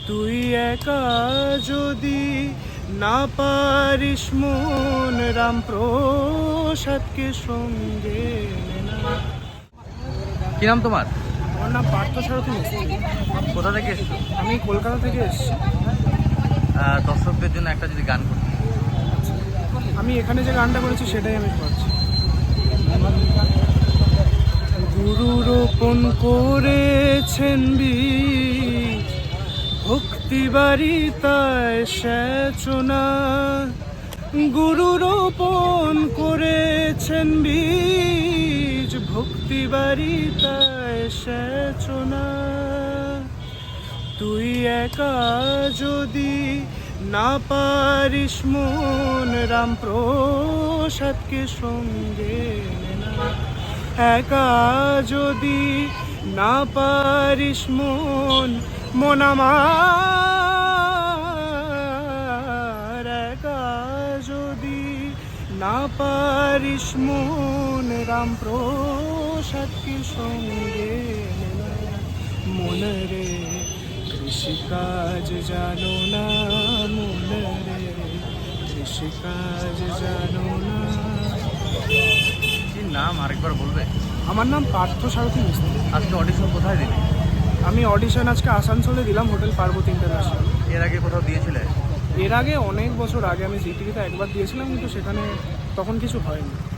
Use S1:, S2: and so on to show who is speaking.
S1: তুই একা যদি না পারিস মন রামপ্রসাদকে সঙ্গে নে না।
S2: কি নাম তোমার?
S1: আমার নাম পার্থ সারথী মিস্ত্রি।
S2: কোথা থেকে এসছো?
S1: আমি কলকাতা থেকে এসেছি।
S2: দর্শকদের জন্য একটা যদি গান করতে।
S1: আমি এখানে যে গানটা করেছি সেটাই আমি করছি। গুরু রোপণ করেছেন বীজ, ভক্তি বারিতায় সেচনা। গুরু রোপণ করেছেন বীজ, ভক্তি বারিতায় সেচনা। তুই একা যদি না পারিস মন রামপ্রসাদকে সঙ্গে নে না। একা যদি না পারিস মন আমার, একা যদি না পারিস মন রামপ্রসাদকে সঙ্গে নে না। মনে রে কৃষিকাজ জানো না, মনে রে কৃষিকাজ জানো না।
S2: কি নাম আরেকবার বলবে?
S1: আমার নাম পার্থ সারথী মিস্ত্রি।
S2: আজকে অডিশন কোথায় দিলে?
S1: আমি অডিশন আজকে আসানসোলে দিলাম, হোটেল পার্বতী ইন্টারন্যাশনাল।
S2: এর আগে কোথাও দিয়েছিলে?
S1: এর আগে অনেক বছর আগে আমি জি টিভিতে একবার দিয়েছিলাম, কিন্তু সেখানে তখন কিছু হয়নি।